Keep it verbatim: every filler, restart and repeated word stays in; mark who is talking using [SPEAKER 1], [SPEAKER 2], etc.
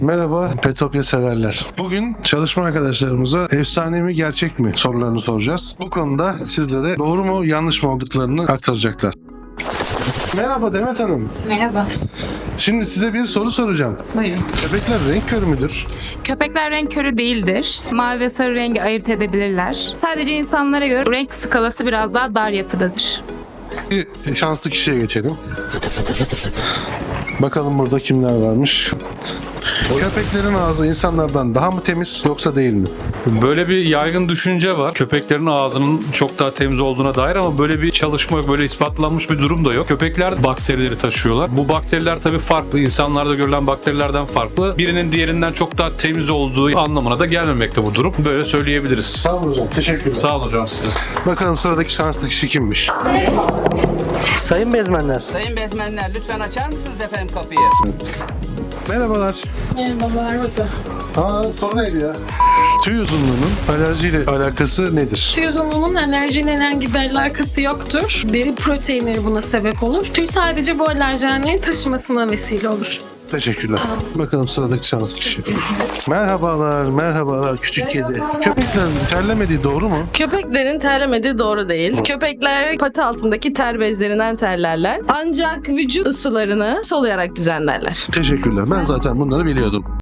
[SPEAKER 1] Merhaba Petopya severler. Bugün çalışma arkadaşlarımıza efsane mi gerçek mi sorularını soracağız. Bu konuda sizlere doğru mu yanlış mı olduklarını aktaracaklar. Merhaba Demet Hanım.
[SPEAKER 2] Merhaba.
[SPEAKER 1] Şimdi size bir soru soracağım.
[SPEAKER 2] Buyurun.
[SPEAKER 1] Köpekler renk körü müdür?
[SPEAKER 2] Köpekler renk körü değildir. Mavi ve sarı rengi ayırt edebilirler. Sadece insanlara göre renk skalası biraz daha dar yapıdadır.
[SPEAKER 1] Bir şanslı kişiye geçelim. Bakalım burada kimler varmış. Köpeklerin ağzı insanlardan daha mı temiz yoksa değil mi?
[SPEAKER 3] Böyle bir yaygın düşünce var. Köpeklerin ağzının çok daha temiz olduğuna dair ama böyle bir çalışma yok, böyle ispatlanmış bir durum da yok. Köpekler bakterileri taşıyorlar. Bu bakteriler tabii farklı. İnsanlarda görülen bakterilerden farklı. Birinin diğerinden çok daha temiz olduğu anlamına da gelmemekte bu durum. Böyle söyleyebiliriz.
[SPEAKER 1] Sağ olun hocam. Teşekkürler.
[SPEAKER 3] Sağ olun hocam size.
[SPEAKER 1] Bakalım sıradaki şanslı kişi kimmiş?
[SPEAKER 4] Sayın bezmenler,
[SPEAKER 5] Sayın bezmenler lütfen açar mısınız efendim kapıyı?
[SPEAKER 1] Merhabalar.
[SPEAKER 6] Merhabalar hocam.
[SPEAKER 1] Aa, soru neydi ya? Tüy uzunluğunun alerjiyle alakası nedir?
[SPEAKER 6] Tüy uzunluğunun alerjiyle herhangi bir alakası yoktur. Deri proteinleri buna sebep olur. Tüy sadece bu alerjenlerin taşımasına vesile olur.
[SPEAKER 1] Teşekkürler. Bakalım sıradaki şanslı kişi. Merhabalar, merhabalar küçük kedi. Köpeklerin terlemediği doğru mu?
[SPEAKER 7] Köpeklerin terlemediği doğru değil. Köpekler pati altındaki ter bezlerinden terlerler. Ancak vücut ısılarını soluyarak düzenlerler.
[SPEAKER 1] Teşekkürler. Ben zaten bunları biliyordum.